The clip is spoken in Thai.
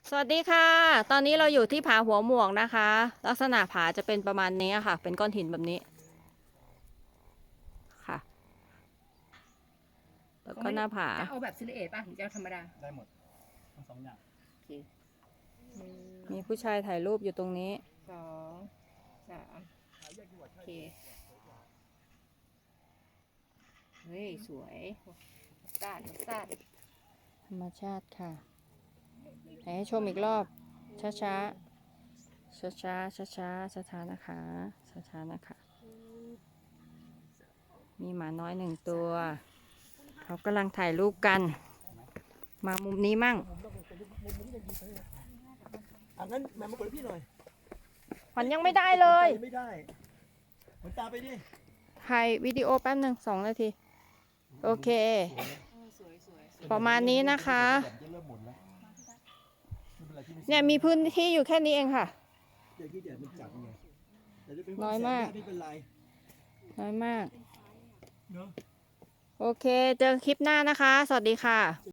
สวัสดีค่ะ ตอนนี้เราอยู่ที่ผาหัวหมวกนะคะ ลักษณะผาจะเป็นประมาณนี้ค่ะ เป็นก้อนหินแบบนี้ค่ะ แล้วก็หน้าผาจะเอาแบบซิลิเอตป่ะหรือจะเอาธรรมดาได้หมดทั้งสองอย่างโอเคหนึ่งมีผู้ชายถ่ายรูปอยู่ตรงนี้สองสามโอเคเฮ้ยสวยสาดสาดธรรมชาติค่ะให้ชมอีกรอบ ช้าช้าช้าช้าช้าช้าช้าช้าๆนะคะ ช้าช้าๆนะคะ มีหมาน้อยหนึ่งตัว เขากำลังถ่ายรูปกัน มามุมนี้มั่งงั้นแม่มาเปิดพี่หน่อยมันยังไม่ได้เลยไม่ได้เหมือนตาไปดิถ่ายวิดีโอแป๊บหนึ่ง2 นาที โอเคสวยสวยสวยประมาณนี้นะคะจะเริ่มหมดแล้วไม่เป็นไรที่ไม่เนี่ยมีพื้นที่อยู่แค่นี้เองค่ะเดี๋ยวที่เดี๋ยวมันจับไงแต่จะเป็นน้อยมากไม่เป็นไรน้อยมากเนาะโอเค เจอคลิปหน้านะคะ สวัสดีค่ะ